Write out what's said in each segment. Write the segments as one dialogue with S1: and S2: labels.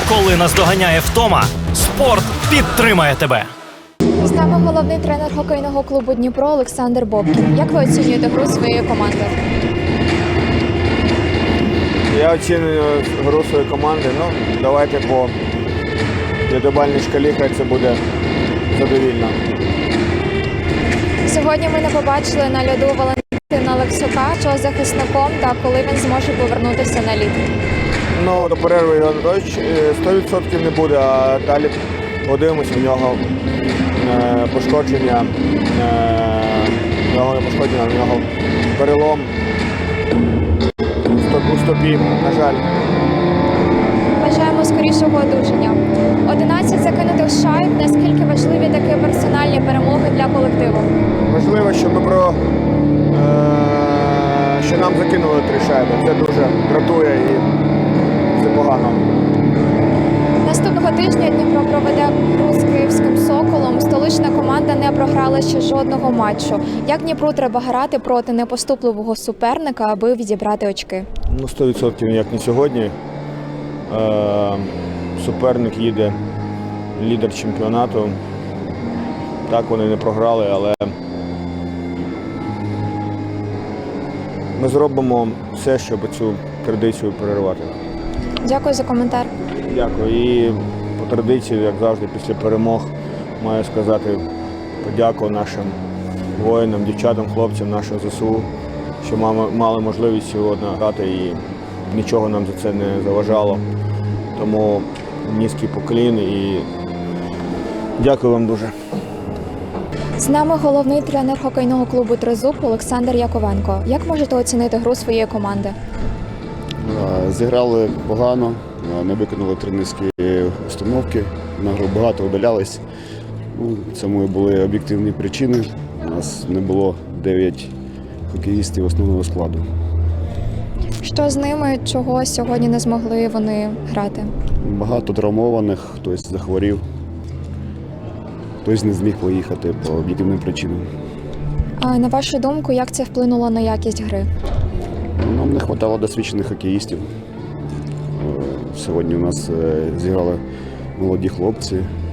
S1: Коли наздоганяє втома, спорт підтримає тебе.
S2: З нами головний тренер хокейного клубу «Дніпро» Олександр Бобкін. Як ви оцінюєте гру своєї команди?
S3: Я оцінюю гру своєї команди. Давайте по п'ятибальній шкалі, хай це буде задовільно.
S2: Сьогодні ми не побачили на льоду Валентина Лексюка, що захисником, та коли він зможе повернутися на лід.
S3: До перерви його 100% не буде, а далі подивимося, в нього пошкодження, в нього перелом у стопі, на жаль.
S2: Бажаємо скорішого одужання. 11 закинутих шайб. Наскільки важливі такі персональні перемоги для колективу?
S3: Важливо, що що нам закинули 3 шайби. Це дуже дратує і це погано.
S2: Наступного тижня Дніпро проведе гру з київським «Соколом». Столична команда не програла ще жодного матчу. Як Дніпру треба грати проти непоступливого суперника, аби відібрати очки?
S3: 100% як не сьогодні. Суперник їде лідер чемпіонату. Так, вони не програли, але ми зробимо все, щоб цю традицію перервати.
S2: Дякую за коментар.
S3: Дякую. І по традиції, як завжди, після перемог маю сказати подяку нашим воїнам, дівчатам, хлопцям, нашим ЗСУ, що мали можливість сьогодні грати і нічого нам за це не заважало. Тому низький поклін і дякую вам дуже.
S2: З нами головний тренер хокейного клубу «Тризуб» Олександр Яковенко. Як можете оцінити гру своєї команди?
S4: Зіграли погано, не виконали тренерські установки, на гру багато удалялись. Цьому і були об'єктивні причини. У нас не було 9 хокеїстів основного складу.
S2: Що з ними, чого сьогодні не змогли вони грати?
S4: Багато травмованих, хтось захворів, хтось не зміг поїхати по об'єктивним причинам.
S2: А на вашу думку, як це вплинуло на якість гри?
S4: Нам не вистачало досвідчених хокеїстів. Сьогодні у нас зіграли молоді хлопці.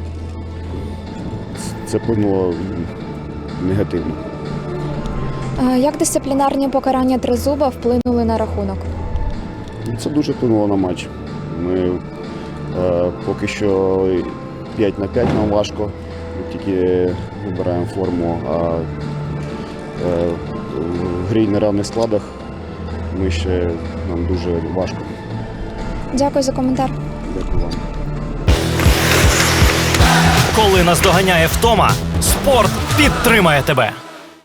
S4: Це вплинуло негативно.
S2: Як дисциплінарні покарання «Тризуба» вплинули на рахунок?
S4: Це дуже вплинуло на матч. Ми поки що 5 на 5 нам важко, ми тільки вибираємо форму, а в грі на рівних складах нам дуже важко.
S2: Дякую за коментар.
S4: Дякую вам.
S1: Коли наздоганяє втома, спорт підтримає тебе.